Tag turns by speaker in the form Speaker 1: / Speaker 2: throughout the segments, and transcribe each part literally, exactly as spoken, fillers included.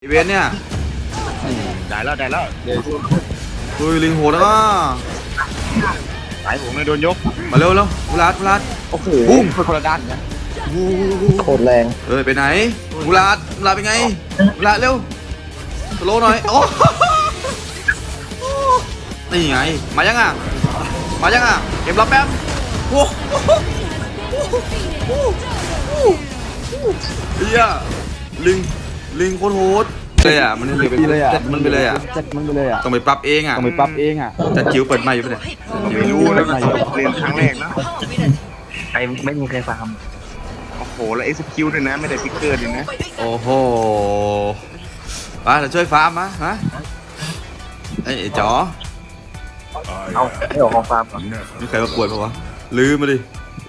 Speaker 1: อีเวนเนี่ย
Speaker 2: ได้แล้วได้แล้ว
Speaker 1: คุยลิงโหดแล้วก็
Speaker 2: สายผมเลยโดนยก
Speaker 1: มาเร็วเร็วมูลาดมูลาด
Speaker 2: โอ้โห
Speaker 1: บุ้ม
Speaker 2: คนละด้านนะ
Speaker 3: โคตรแรง
Speaker 1: เอ้ยไปไหนมูลาดมูลาดเป็นไงมูลาดเร็วสโลหน่อยโอ้นี่ไงมายังอ่ะมายังอ่ะเก็บรับแป๊บโอ้เฮียลิงลิงโคตรโหดเลยอ่ะมันเลยไปเลยอ่ะมันไปเลยอ่ะ
Speaker 3: มันไปเลยอ่ะ
Speaker 1: ต้องไปปรับเองอ่ะ
Speaker 3: ต้องไปปรับเองอ่ะ
Speaker 1: จัดจิ๋วเปิดใหม่อยู่ปะเนี่ย
Speaker 2: ไม่รู้เลยเรียนครั้งแรกนะ
Speaker 3: ใครไม่มีใครฟัง
Speaker 2: โอ้โหแล้ว execute ด้วยนะไม่ได้พิกเกอร์ด้วยนะ
Speaker 1: โอ้โหมาเราช่วยฟาร์มมะฮะไอ้จ๋อ
Speaker 3: เอาไม่ออกของฟาร์ม
Speaker 1: มีใครมาปวดปะวะลืมมาดิ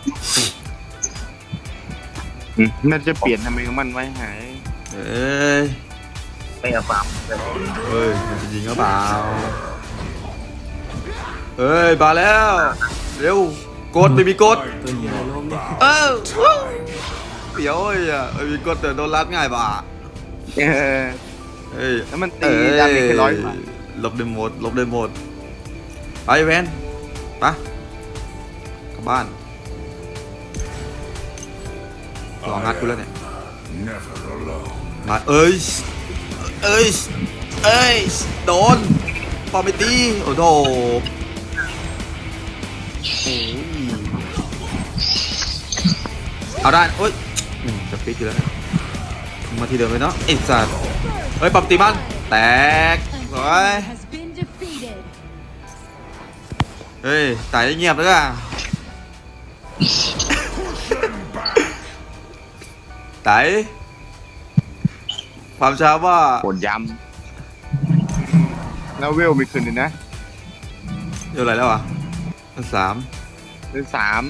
Speaker 2: น่าจะเปลี่ยนทำไมมันไว้หาย
Speaker 1: เอ้ย
Speaker 3: ไม่เอาฟาร์ม
Speaker 1: เฮ้ยมันจะยิงหรือเปล่าเฮ้ยมาแล้วเร็วกดไม่มีกดเออเปียวไอ้อะไม่มีกดแต่โดนรัดง่ายป่ะ
Speaker 2: เออ
Speaker 1: เฮ้ย
Speaker 2: แล้วมันตีดาเมจแค่ร้อย
Speaker 1: ลบได้หมดลบได้หมดไปเวนไปกลับบ้านรองัดกูแล้วเนี่ยมาเอ้ยเอ้ยเอ้ยโดนปอมไปตีโอ้โหเอาได้โอ้ยจะฟิกอยู่แล้วมาทีเดิมเลยเนาะไอ้สัตว์เฮ้ยปอมตีมันแตกสวยเฮ้ยตายเงียบเลยอ่ะไต่ความช้าว่า
Speaker 2: โหดยำแล้วเวลไม่ขึ้นเลยนะ
Speaker 1: เท่าไหร่แล้วอ่ะมันสาม
Speaker 2: เป็นสาม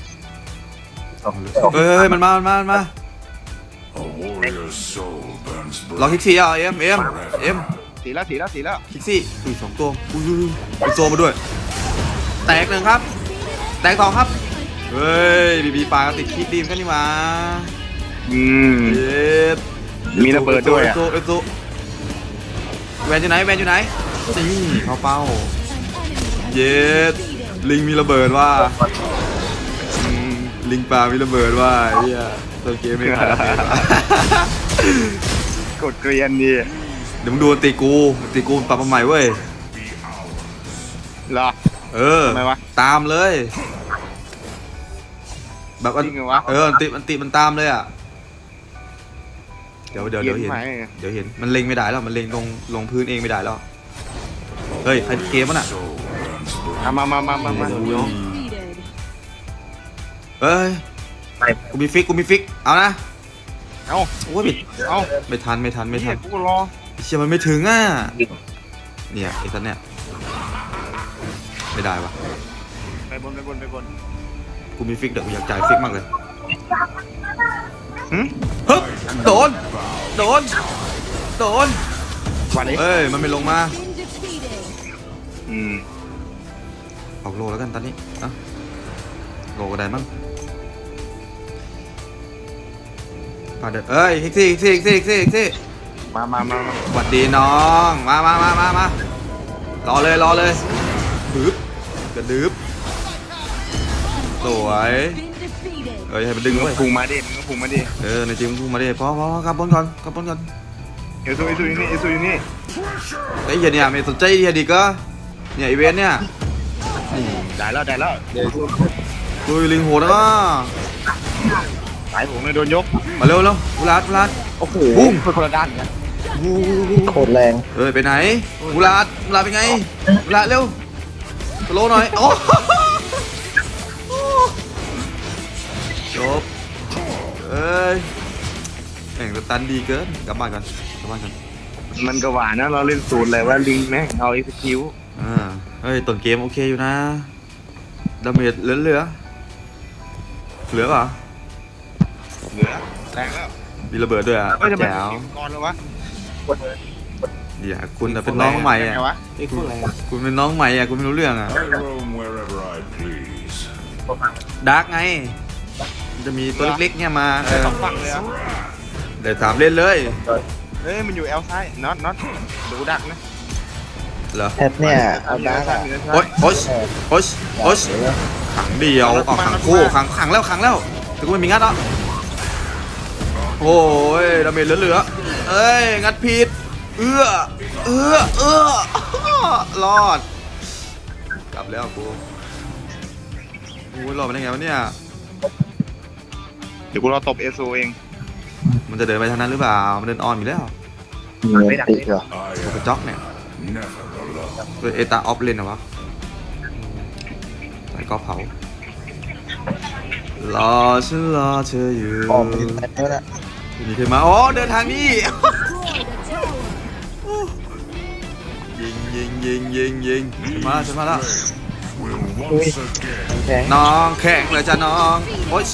Speaker 1: เฮ้ยมันมามันมามันมาลองคิกซี่อ่ะเอ็มเอ็มเอ็ม
Speaker 2: สีแล้วสีแล้วสีแล้ว
Speaker 1: คิกซี่อุ้ยสองตัวอุ้ยอุ้ยโซมาด้วยแตกหนึ่งครับแตกสองครับเฮ้ยบีบีปลาติดคิดดีมกันนี่มา
Speaker 2: อืม
Speaker 1: เย็ด
Speaker 2: มีระเบิดด้วยอ่ะ
Speaker 1: เอโซเอโซแวนอยู่ไหนแวนอยู่ไหนนี่เข้าเป้าเย็ดลิงมีระเบิดว่าลิงปลามีระเบิดว่าเฮียตัวเกมไม่ขาด
Speaker 2: กดเกรียนดิ
Speaker 1: เดี๋ยวมึงดูตีกูตีกูปรับมาใหม่เว้ย
Speaker 2: เหรอ
Speaker 1: เออทำไมวะตามเลยแบบอันเออติมันติมันตามเลยอ่ะเดี๋ยวเดี๋ยวเดี๋ยวเห็นเดี๋ยวเห็นมันเล็งไม่ได้แล้วมันเล็งลงลงพื้นเองไม่ได้แล้วเฮ้ยใครเกมมันอ่ะ
Speaker 2: มามามามามา
Speaker 1: เฮ้ยกูมีฟิกกูมีฟิกเอานะ
Speaker 2: เอา
Speaker 1: โอ้ยบิด
Speaker 2: เอา
Speaker 1: ไม่ทันไม่ทันไม่ทัน
Speaker 2: กูรอ
Speaker 1: เชื่อมันไม่ถึงอ่ะเนี่ยไอ้สัตว์เนี่ยไม่ได้วะ
Speaker 2: ไปบนไปบนไปบน
Speaker 1: กูมีฟิกเดี๋ยวกูอยากจ่ายฟิกมากเลย
Speaker 2: ฮึ
Speaker 1: ฮึโดนโดนโดน
Speaker 2: วันนี้
Speaker 1: เอ้ยมันไม่ลงมา
Speaker 2: อืม
Speaker 1: ออกโลแล้วกันตอนนี้อ่ะโลก็ได้มั้งปาเด็ดเอ้ยฮิกซี่ฮิกซี่ฮิกซี่ฮิกซี่ฮิกซี่
Speaker 2: มามามา
Speaker 1: สวัสดีน้องมามามามา มารอเลยรอเลยดึบกระดึบสวยเอ้ยให้มันดึงไว้
Speaker 2: พุ่งมาดิมึงพุ่งมาดิ
Speaker 1: เออในจริงพุ่งมาดิพอพอกลับบนก่อนกลับบนก่อน
Speaker 2: เอซูเอซูอยู่นี่เอซูอยู่นี่
Speaker 1: ไอ้เหี้ยเนี่ยไม่สนใจเหี้ยดีก็เนี่ยอีเวนเนี่ย
Speaker 2: ได้แล้วได้แล้ว
Speaker 1: ดูลิงโหดแล้วก็
Speaker 2: สายผมเลยโดนยก
Speaker 1: มาเร็วเร็วมูลาดมูลาด
Speaker 2: โอ้โห
Speaker 1: บุ้ม
Speaker 2: คนละด้านกัน
Speaker 3: โคตรแรง
Speaker 1: เฮ้ยไปไหนมูลาดมูลาดเป็นไงมูลาดเร็วสโลหน่อยโอ้จบเอ้ยแข่งสตันดีเกินกลับบ้านกันกลับบ้านกัน
Speaker 2: มันก็หวานนะเราเล่นสูตรเลยว่าลิงแม่งเอาเอ็กซ์คิว
Speaker 1: อ่าเฮ้ยต้นเกมโอเคอยู่นะดาเมจเหลือเหลือเหลือป่ะ
Speaker 2: เหลือแรงแล้ว
Speaker 1: มีระเบิดด้วยอ่ะ
Speaker 2: แจ๋วก่อนเลยวะ
Speaker 1: เดี๋ยวคุณเป็นน้องใหม่อ่ะคุณเป็นน้องใหม่อ่ะคุณไม่รู้เรื่องอ่ะดาร์กไงจะมีตัวเล็กๆเนี่ยมาเออ
Speaker 2: สองฝั่งเลยอ่ะ
Speaker 1: เดี๋ยวสามเล่นเลย
Speaker 2: เฮ้ยมันอยู่แอลซ้ายน็อตน็อตดูดักนะ
Speaker 1: เหรอ
Speaker 3: แพทเนี่ยเอา
Speaker 2: เหนื
Speaker 3: ดา
Speaker 2: อ
Speaker 3: ร์ก
Speaker 2: ซ้าย
Speaker 3: อะ
Speaker 2: เหนือซ้า
Speaker 1: โอ๊
Speaker 2: ย
Speaker 1: ยโอ๊ยโอ๊ยโอ๊ย
Speaker 3: เดี๋ยว
Speaker 1: ขังเดียวออกขังคู่ขังขังแล้วขังแล้วแต่กูไม่มีงัดอ่ะโอ้ยดาเมจเหลือๆเอ้ยงัดผิดเอื้อเอื้อเอื้อรอดกลับแล้วกูโอ้ยรอดมาได้ไงวะเนี่ย
Speaker 2: เดี๋ยวกูรอตบเอโซเอง
Speaker 1: มันจะเดินไปทางนั้นหรือเปล่ามันเดินออนอยู่แล้ว
Speaker 3: มีเงินติดเหรอ
Speaker 1: กูกระจอกเนี่ยเป็นเอตาออฟเลนเหรอวะใส่ก็เผารอฉันรอเธออยู่
Speaker 3: ออกมาถึงแล้วนะ
Speaker 1: มีใครมาอ๋อเดินทางนี้ ยิงยิงยิงยิงยิงฉันมาฉันมาแล้ว
Speaker 3: อุ้ยแข็ง
Speaker 1: น้องแข่งเลยจ้ะน้องโอ๊ย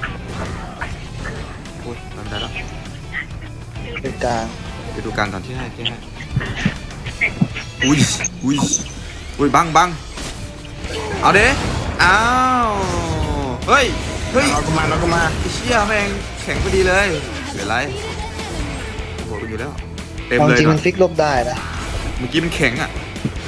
Speaker 1: โอ๊ยทำได้แล้ว
Speaker 3: เป็นกลาง
Speaker 1: ไปดูกลางก่อนที่ให้ที่ให้อุ้ยอุ้ยอุ้ยบังบังเอาเด้อ้าวเฮ้ยเฮ้ย
Speaker 2: เราก็มาเราก็มา
Speaker 1: ไอ้เชี่ยแม่งแข็งพอดีเลยเหลือไรโอ้โหอยู่แล้วเต็ม
Speaker 3: ความ
Speaker 1: เลย
Speaker 3: จริง
Speaker 1: นะ
Speaker 3: มันฟิกลบได้นะ
Speaker 1: เมื่อกี้มันแข็งอ่ะ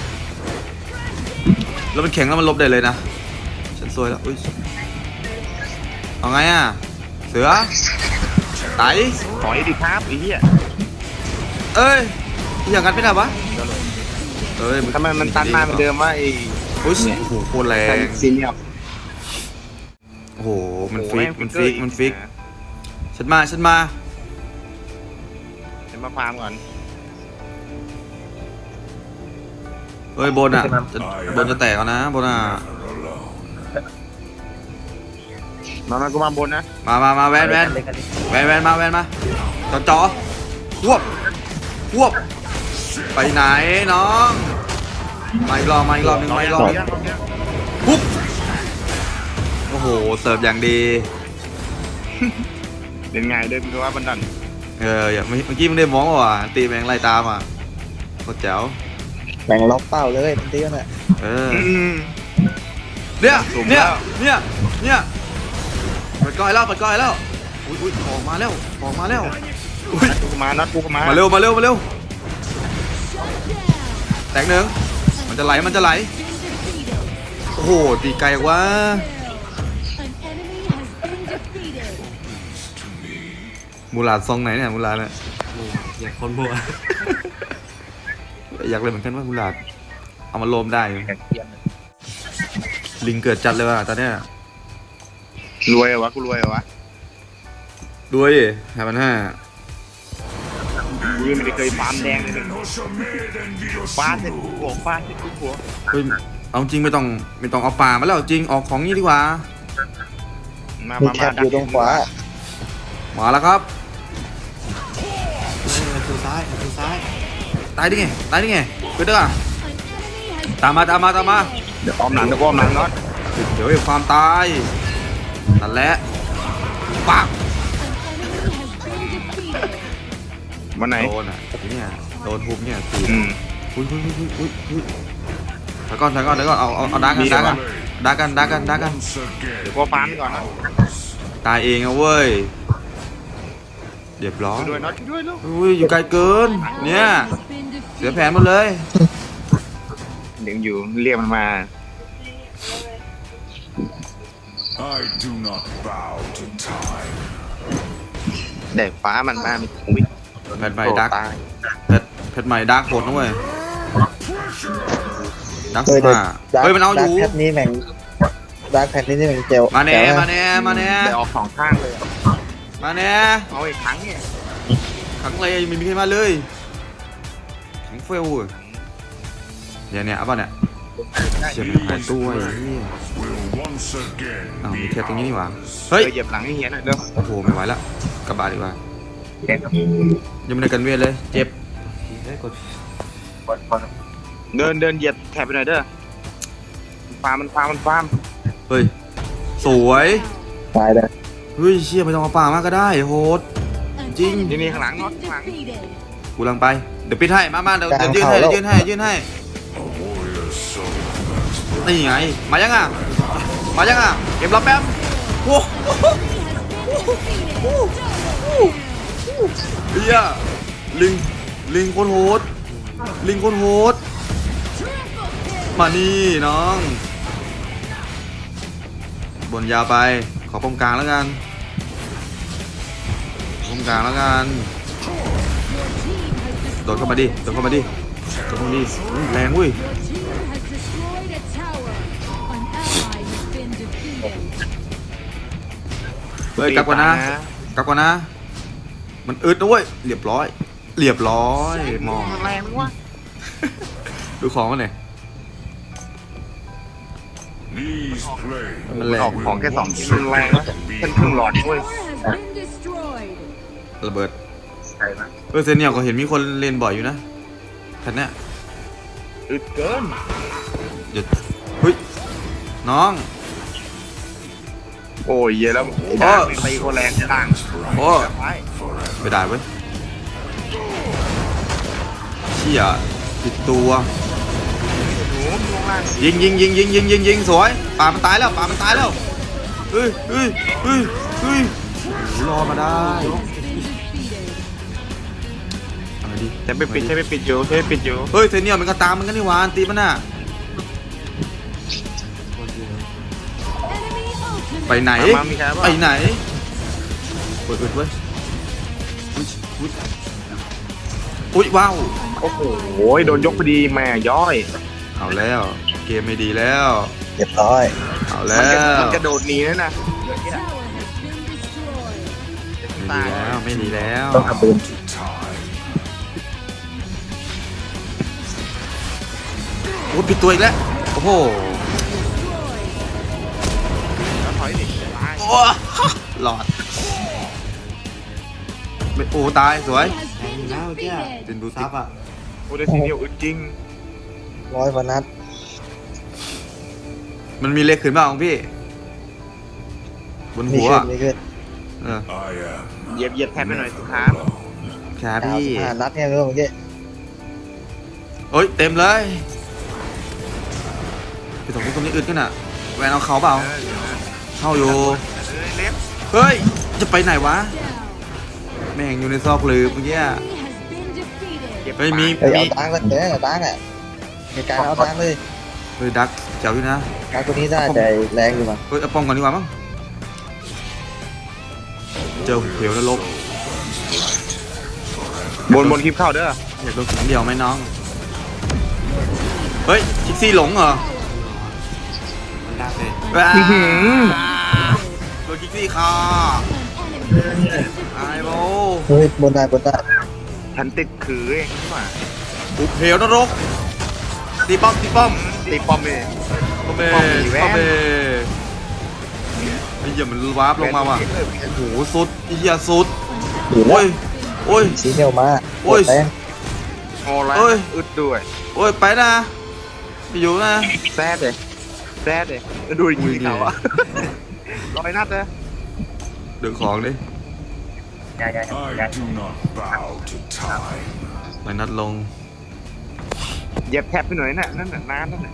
Speaker 1: แล้วมันแข็งแล้วมันลบได้เลยนะฉันซวยแล้วอุ้ยเอาไงอ่ะเสือไต
Speaker 2: ถอยดิครับไอ้เหี้ย
Speaker 1: เอ้ยอย่างนั้นไม่ได้ปะเอ้ย
Speaker 2: ทำไมมันตันมาเหมือนเดิมว่าไอ้
Speaker 1: อุ้ยโอ้โหโคตรแร
Speaker 2: แทน
Speaker 1: ง
Speaker 2: ซีเนียร์
Speaker 1: โอ้โหมันฟิกมันฟิกมันฟิกฉันมาฉันมา
Speaker 2: เดี๋ยวมาฟาร์มก่อน
Speaker 1: เอ้ยบนอ่ะจะบนจะแตกเอานะบนอ่ะ
Speaker 2: มามากูมาบนนะ
Speaker 1: มามามาแวนแวนแวนแวนมาแวนมาจอจอควบควบไปไหนน้องมาอีกรอบมาอีกรอบหนึ่งมาอีกรอบหนึ่งปุ๊บโอ้โหเสิร์ฟอย่างดี
Speaker 2: เล่นไงเดินดูว่าบันดัน
Speaker 1: เอออย่าเมื่อกี้มึงได้มองว่ะตีแมงไล่ตามอ่ะโคตรแจ๋ว
Speaker 3: แบ่งล็อกเป้าเลยทันทีน่ะ
Speaker 1: เออเนี่ยเนี่ยเนี่ยเนี่ยเปิดก้อยแล้วเปิดก้อยแล้วอุ้ยอุ้ยออกมาแล้วออกมาแล้วอุ้ย
Speaker 2: กูมาน็อตกูมา
Speaker 1: มาเร็วมาเร็วมาเร็วแตกหนึ่งมันจะไหลมันจะไหลโอ้โหตีไกลกว่ามูลาดซองไหนเนี่ยมูลาดเนี่ย
Speaker 4: อยากคนบัว
Speaker 1: อยากเลยเหมือนกันว่ามูลาดเอามาโลมได้อยู่ลิงเกิดจัดเลยว่ะตอนเนี้ย
Speaker 2: รวยเหรอวะกูรวยเหรอวะ
Speaker 1: ด้วยห้าพันห้า
Speaker 2: กูยังไม่ได้เคยฟาร์มแดงเลยฟาดเสร็จกูหัวฟาดเสร็จกูหัว
Speaker 1: เฮ้ยเอาจริงไม่ต้องไม่ต้องเอาป่ามาแล้วจริงออกของนี้ดีกว่า
Speaker 2: มา
Speaker 3: มี
Speaker 2: มา
Speaker 3: แค
Speaker 2: มา
Speaker 3: ปอยู่ตรงขวา
Speaker 1: มาแล้วครับ
Speaker 4: ประตูซ้ายประตูซ้าย
Speaker 1: ตายได้ไงตายได้ไงเกิดได้อะตามมาตามมาตามมา
Speaker 2: เดี๋ยวอ้อมหลังเดี๋ยวอ้อมหลังน็อต
Speaker 1: เดี๋ยวไอ้ความตายนั่นแหละปัง
Speaker 2: วันไหน
Speaker 1: โดนอ่ะเนี่ยโดนทุบเนี่ยคือ
Speaker 2: อืม
Speaker 1: อุ้ยอุ้ยอุ้ยอุ้ยอุ้ยถอยก่อนถอยก่อนถอยก่อนเอาเอาเอาดักกันดักกันดักกันดักกันดักกัน
Speaker 2: เดี๋ยวกูฟาร์มก่อนนะ
Speaker 1: ตายเองอะเว้ยเรียบร้อย
Speaker 2: ช่วยด้วยน็อตช่วยด้วยลูก
Speaker 1: อุ้ยอยู่ไกลเกินเนี่ยเสียแผนหมดเลย
Speaker 2: เดี๋ยวอยู่เรียกมันมา
Speaker 5: I do not bow to time.
Speaker 2: เด็กฟ้ามันมามีอุ้ย
Speaker 1: แพทใหม่ดัก
Speaker 2: ตาย
Speaker 1: แพทแพทใหม่ดักโหดนะเว้ยดัก
Speaker 3: เฮ้ย
Speaker 1: มาเฮ้ยมันเอาอ
Speaker 3: ดาร์
Speaker 1: ยู่
Speaker 3: กแพทนี้แบ่งดาร์กแพทนี้แบ่งเจล
Speaker 1: มาแน่
Speaker 3: จ๋วะ
Speaker 1: มาแน่มาแน่
Speaker 2: ได้ออกสองข้างเลยอะ
Speaker 1: มาแน่
Speaker 2: เอาอีกครั้งเนี่ย
Speaker 1: ขังเลยไม่มีใครมาเลยขังเฟลเว้ยเนี่ยเนี่ยเอาป่ะเนี่ยเฉียบหายตัวไอ้เหี้ย
Speaker 5: Will once again
Speaker 1: อ้าวมี
Speaker 5: be
Speaker 1: แค่ตรงนี้นี่หว่า
Speaker 5: ours.
Speaker 1: เฮ้ย
Speaker 2: เออเหยียบหลังให้เฮียหน่อยเด้อ
Speaker 1: โอ้โหไม่ไหวละกลับบาดีกว่ายังไม่ได้กันเวทเลยเจ็บ
Speaker 4: ได้กด
Speaker 2: เดินเดินเหยียบแถบไปหน่อยเด้อฟาร์มมันฟาร์มมันฟาร์ม
Speaker 1: เฮ้ยสวย
Speaker 3: ตายเลย
Speaker 1: เฮ้ยเชี่ยไม่ต้องเอาป่ามากก็ได้โหดจริง
Speaker 2: นี่นี่ข้างหลังน็อตข้างหลัง
Speaker 1: กูลังไปเดี๋ยวปิดให้มามาเดี๋ยวเดี๋ยวยื่นให้เดี๋ยวยื่นให้ยื่นให้
Speaker 5: A warrior's soul burns
Speaker 1: นี่ไงมายังอ่ะมายังอ่ะเก็บรับแป๊บโอ้โหเฮียลิงลิงโคตรโหดลิงโคตรโหดมานี่น้องบนยาวไปขอป้อมกลางแล้วกันป้อมกลางแล้วกันโดดเข้ามาดิโดดเข้ามาดิโดดเข้ามาดิอุ๊ยแรงเว้ย เฮ้ยกลับก่อนนะกลับก่อนนะมันอึดนะเว้ยเรียบร้อยเรียบร้อยมอง
Speaker 2: แรงวะ
Speaker 1: ดูของมันหน่อย
Speaker 5: These flames
Speaker 1: มันแรง
Speaker 2: ออกของแค่สองชิ้นมันแรงวะเป็นครึ่งหลอดด้วย
Speaker 1: ระเบิด
Speaker 2: ใช่ไหม
Speaker 1: เออเซนเนี่ยก็เห็นมีคนเล่นบ่อยอยู่นะแพทเนี้ย
Speaker 2: อึดเกิน
Speaker 1: หยุดเฮ้ยน้อง
Speaker 2: โอ้ยเยอะแล้วไอ้ด่างเป็นตีโคแรงด่าง
Speaker 1: โอ้
Speaker 2: ไป
Speaker 1: ไม่ได้เว้ยเชี่ยติดตัว
Speaker 2: หนูลงล่าง
Speaker 1: ยิงยิงยิงยิงยิงยิงยิงสวยป่ามันตายแล้วป่ามันตายแล้วเฮ้ยเฮ้ยเฮ้ยเฮ้ยโอ้โหรอมาได้เอาดิ
Speaker 2: ใช้ไปปิดใช้ไปปิดอยู่ใช้ไปปิดอยู่
Speaker 1: เฮ้ยเซเนียลมันก็ตามมันกันนี่หวานตีมันน่ะ
Speaker 4: คนเดียว
Speaker 1: ไปไหน
Speaker 2: มามีใครบ้าง
Speaker 1: ไปไหนเปิดเปิดเว้ยอุ๊ยอุ๊ยอุ๊ยว้าว
Speaker 2: โอ้โหโดนยกพอดีแม่ย่อย
Speaker 1: เอาแล้วเกมไม่ดีแล้ว
Speaker 3: เรียบร้อย
Speaker 1: เอา
Speaker 2: มั
Speaker 1: แล้
Speaker 2: นกระ
Speaker 1: ว
Speaker 2: มันกระโดดหนีนั่นนะ
Speaker 1: ไม่ดีแล้วไม่ดีแล้ว
Speaker 3: ต้องทำปืน
Speaker 5: to time.
Speaker 1: โอ้ปิดตัวอีกแล้วโอ้โห
Speaker 2: แล้วถอยดิตาย
Speaker 1: โอ้หลอดไม่โอ้ตายสวย
Speaker 4: แทงอยู่แล้วเมื่อกี้
Speaker 1: เป็นบูติก
Speaker 4: ซับอ่ะ
Speaker 2: โอ้ได้ทีเดียวอึดจริง
Speaker 3: ร้อยกว่านัด
Speaker 1: มันมีเลขขึ้นบ้างของพี่บน
Speaker 3: มี
Speaker 1: หัว
Speaker 3: ขึ้นมีขึ้น
Speaker 1: เออ
Speaker 5: I am
Speaker 2: เหยียบเหยียบแทนไปหน่อยสุดท้าย
Speaker 5: alone.
Speaker 1: ขา
Speaker 3: ดาว
Speaker 1: พี่
Speaker 3: สิบห้านัดเนี่ยเมื่อกี้
Speaker 1: เอ้ยเต็มเลยพี่สองพี่ตรงนี้อึดกันอ่ะแวนเอาเขาเปล่าเข้าอยู่
Speaker 2: เล็บ
Speaker 1: เฮ้ยจะไปไหนวะแม่งอยู่ในซอกหลืบเมื่อกี้อะ เฮ้ยมี
Speaker 3: เฮ้ยเอาตังค์เลยเด้อตังค์อ่ะมีการเอาตังค์เลย
Speaker 1: เฮ้ยดักเจ๋วอยู่นะ
Speaker 3: การตัวนี้ได้แต่แรงอยู่มั้ง
Speaker 1: เฮ้ยเอาป้องก่อนดีกว่ามั้งเจอเหวนรก
Speaker 2: บนบนคลิปเข้าเด้อ
Speaker 1: อยากโดนขังเดียวไหมน้องเฮ้ยคิกซี่หลงเหรอ
Speaker 4: มันดักเลย
Speaker 1: ว้า
Speaker 2: อื้อหือ
Speaker 1: โดนคิกซี่คาไอ้โบ
Speaker 3: เฮ้ยบนได้บนได้
Speaker 2: ฉันติดคือเองนี่หว่า
Speaker 1: ปุบเหวนรกตีป้อมตีป้อม
Speaker 2: ตีปอมเอง
Speaker 1: ป้อมเบ
Speaker 2: ป้อมอีแว่น
Speaker 1: ป้อมเบไอ้เหี้ยมันวาร์ปลงมาว่ะโอ้โหสุดไอ้เหี้ยสุด
Speaker 3: อยู่แล้
Speaker 1: โอ้
Speaker 3: วย
Speaker 1: โอ้ย
Speaker 3: สีเนียวมา
Speaker 1: โอ้ย
Speaker 3: แรง
Speaker 2: โอ้ไร
Speaker 1: เอ้ย
Speaker 2: อึดด้วย
Speaker 1: โอ้ยไปนะไปอยู่นะ
Speaker 2: แซดเลยแซดเลยดูดิยิงเขาอะร้อยนัดเลย
Speaker 1: ดึงของดิ
Speaker 2: ใหญ่ใหญ่
Speaker 5: I do not bow to time.
Speaker 1: ไปนัดลง
Speaker 2: เหยียบแทบไปหน่อยน่ะนั่นน่ะน้ำนั่นน่ะ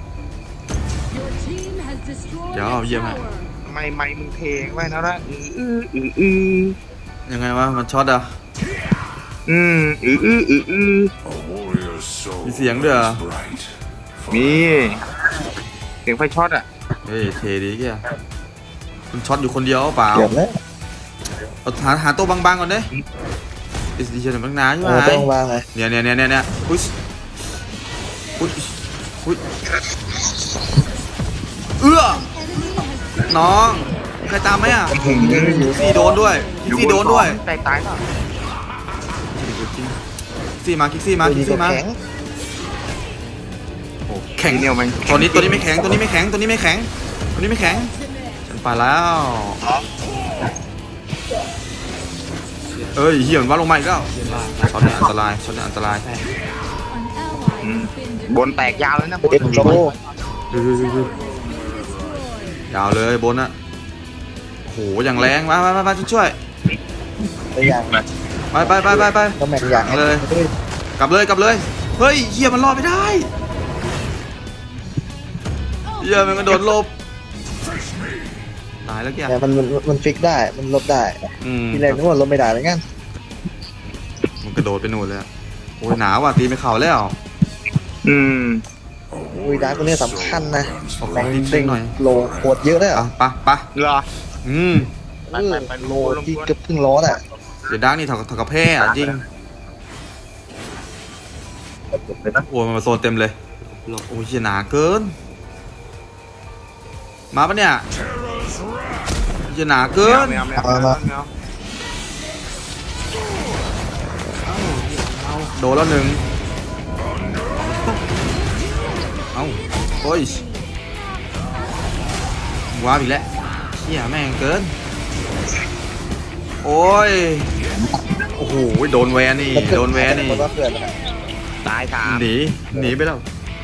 Speaker 1: เดี๋ยวเอาเยี่ยมให้
Speaker 2: ไม่ไม่มึงเทงไว้นะละอืออืออืออือ
Speaker 1: ยังไงวะมันช็อตอ่ะ
Speaker 2: อืมอืออืออืออือ
Speaker 5: A warrior's soul
Speaker 1: มีเสียงด้วยเหรอ
Speaker 5: is bright.
Speaker 2: มีเสียงไฟช็อตอ่ะ
Speaker 1: เฮ้ยเทดีแกมันช็อตอยู่คนเดียวเปล่า
Speaker 3: เกือบแล้ว
Speaker 1: เอาหาหาตัวบางๆก่อนดิดิสดิชันบางนาใช่ไหม
Speaker 3: เออต้องวางเลย
Speaker 1: เนี่ยเนี่ยเนี่ยเนี่ยเนี่ยอุ้ยอุ้ยอุ้ยเอื้อน้องใครตามไหมอ่ะซี่โดนด้วยคิกซี่โดนด้วย
Speaker 2: ตายตายเปล่า
Speaker 1: คิกซี่มาคิกซี่มา
Speaker 3: ตัว
Speaker 1: คิ
Speaker 3: นี้
Speaker 1: ก
Speaker 3: ก็
Speaker 1: ซี่มา
Speaker 3: แข็ง
Speaker 1: โอ้แข็ง
Speaker 2: ทีเดียวมัน
Speaker 1: ตัวนี้ตัวนี้ไม่แข็งตัวนี้ไม่แข็งตัวนี้ไม่แข็งตัวนี้ไม่แข็งฉันไปแล้วเอ้ยเหี้ยมันว่าลงมาอีกแล้ว
Speaker 4: เยี่ยมมาก
Speaker 1: ช็อตเนี่ยอันตรายช็อตเนี่ยอันตราย
Speaker 4: แต่
Speaker 2: อืมบนแตกยาวเลยนะบน
Speaker 3: เอ็กโซ
Speaker 1: เฮ้ยยาวเลยบนอะโหอย่างแรงมาไปไปไปช่วย
Speaker 3: ตัวอย่าง
Speaker 1: ไปไปไปไปไป
Speaker 3: ก็แม่งอย่าง
Speaker 1: เลย กลับเลยกลับเลยเฮ้ยเหี้ยมันรอดไม่ได้เหี้ยมันกระโดดหลบตายแล้วแก
Speaker 3: แต่มันมันมันฟิกได้มันลบได้
Speaker 1: อืม
Speaker 3: ที่แรกนึกว่าลบไม่ได้เหมือนกัน
Speaker 1: มันกระโดดโดดไปนู่นเลยอะโอ้ยหนาวว่ะตีไม่เข่าแล้ว
Speaker 2: อืม
Speaker 3: อุ้ยดาร์กตัวนี้สำคัญนะ
Speaker 1: เอาข
Speaker 3: แร
Speaker 1: อง
Speaker 3: ง
Speaker 1: จริ
Speaker 3: เด้
Speaker 1: ง
Speaker 3: ง
Speaker 1: ๆหน่อย
Speaker 3: โลโคตรเยอะเลย
Speaker 1: อ่ะ
Speaker 3: อ่ะ
Speaker 1: ไปไป
Speaker 2: เหรอ
Speaker 1: อืม
Speaker 2: ไปไปไป
Speaker 3: โล
Speaker 2: ลง
Speaker 3: ที่
Speaker 2: ตัว
Speaker 3: เกือบครึ่งล้ออ่ะ
Speaker 1: เดี๋ยวดักนี่เถาเถากับแพ้อะจริงโอ้ยมันมาโซนเต็มเลย
Speaker 4: หลบ
Speaker 1: โอ้ยเหี้ยหนาเกิน มาปะเนี่ยเหี้ยหนาเกิน
Speaker 2: ไม่เอาไม่เอาไม่เอาไม่เอา
Speaker 1: โดนแล้วหนึ่งเอ้าโอ้ยว้าบอีกแล้วเหี้ยแม่งเกิน โอ้ย โอ้โห โดนแวนนี่ โดนแวนนี่
Speaker 3: มันก็เกิดนะ
Speaker 2: ตายสาม
Speaker 1: หนี หนีไปแล้ว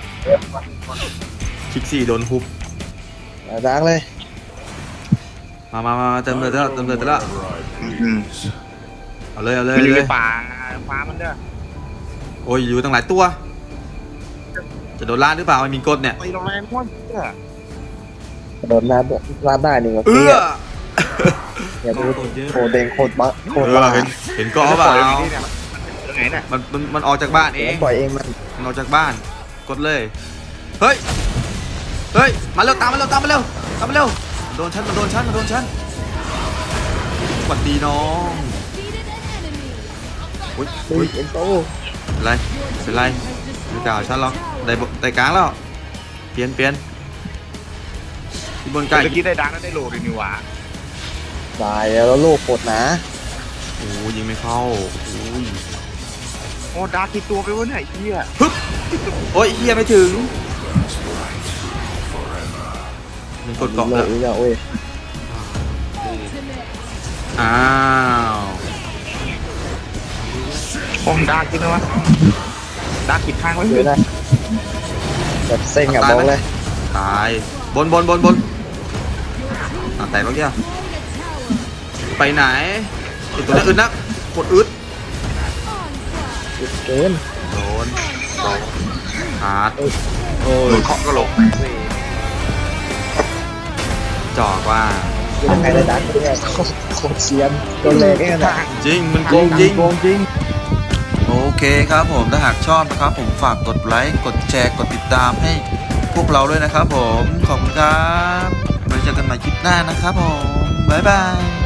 Speaker 1: คิกซี่โดนฮุบ
Speaker 3: เอาดาร์กเลย
Speaker 1: มามามาเติมเลยเถอะเติมเลยเถอะ
Speaker 2: อืม
Speaker 1: เอาเลย เอาเลย
Speaker 2: มันอยู่
Speaker 1: เล
Speaker 2: ใน
Speaker 1: ย
Speaker 2: ป่าฟ้ามันเด้อ
Speaker 1: โอ้ย อยู่ตั้งหลายตัว จะโดนล่าหรือเปล่าไม่มีกฎเนี่ย
Speaker 2: ไปโรงแรมม้วนเด้อ
Speaker 3: โดนลาดลาดได้หนึ่ง
Speaker 1: เออ
Speaker 3: อย่าดูโคตรเด้งโคตรบ้าโค
Speaker 1: เอ
Speaker 3: ตรบ้า
Speaker 1: อเห็น เห็นเกาะเปล่า
Speaker 2: ปล่อยมันที่เนี่ยตรงไหนน่ะ
Speaker 1: มันมันมันออกจากบ้านเอง
Speaker 3: ปล่อยเองมัน
Speaker 1: มันออกจากบ้าน กดเลย เฮ้ย เฮ้ย มาเร็วตามมาเร็วตามมาเร็วตามมาเร็ว โดนฉันมันโดนฉันมันโดนฉันสวัสดีน้องอุ้ย
Speaker 3: อุ้
Speaker 1: อุ้
Speaker 3: ย
Speaker 1: ย
Speaker 3: เอ็นโต
Speaker 1: เป็นไรเป็นไรไม่กล่าวฉันหรอกได้บได้กลางแล้ว เปลี่ยนเปลี่ยนที่บนใกล้
Speaker 2: เมื่อกี้ได้ดังแล้วได้โหลดเลยนี่หว่า
Speaker 3: ตายแล้วโลกโคตรหนา
Speaker 1: โอ้ยิงไม่เข้าโอ้ย
Speaker 2: โอ้ดาร์กกี่ตัวไปวะเนี่ยไอ้เหี้ย
Speaker 1: ฮึบโอ้ยเฮียไม่ถึงมันกดเกาะ
Speaker 3: โล
Speaker 1: แล้
Speaker 3: ก
Speaker 1: ว
Speaker 3: อีกแล้วเว้ย
Speaker 1: อ้าว
Speaker 2: โอ้ดาร์กกี่ตัววะดาร์กกี่ข้างไว้
Speaker 3: เย
Speaker 2: เล
Speaker 3: อะ
Speaker 2: ย
Speaker 3: นะแบบเซ็งอ่ะบอกเลย
Speaker 1: ตายบนบนบนบนอ่ะแต่เมื่อกี้ไปไหนไอตัวนั้นอึดนักกดอึด
Speaker 3: เกิน
Speaker 1: โดนขาด
Speaker 3: โอ้
Speaker 2: โด
Speaker 3: ย
Speaker 2: นเคาะกระโหลก
Speaker 1: จอกว่า
Speaker 3: ยังไงเลยดักเนี่ยโคตรโคตรเซียนตัวเล็กเองนะ
Speaker 1: จริงมันโกงจริง
Speaker 3: โกงจริง
Speaker 1: โอเคครับผมถ้าหากชอบนะครับผมฝากกดไลค์กดแชร์กดติดตามให้พวกเราด้วยนะครับผมขอบคุณครับไว้เจอกันใหม่คลิปหน้านะครับผมบ๊ายบาย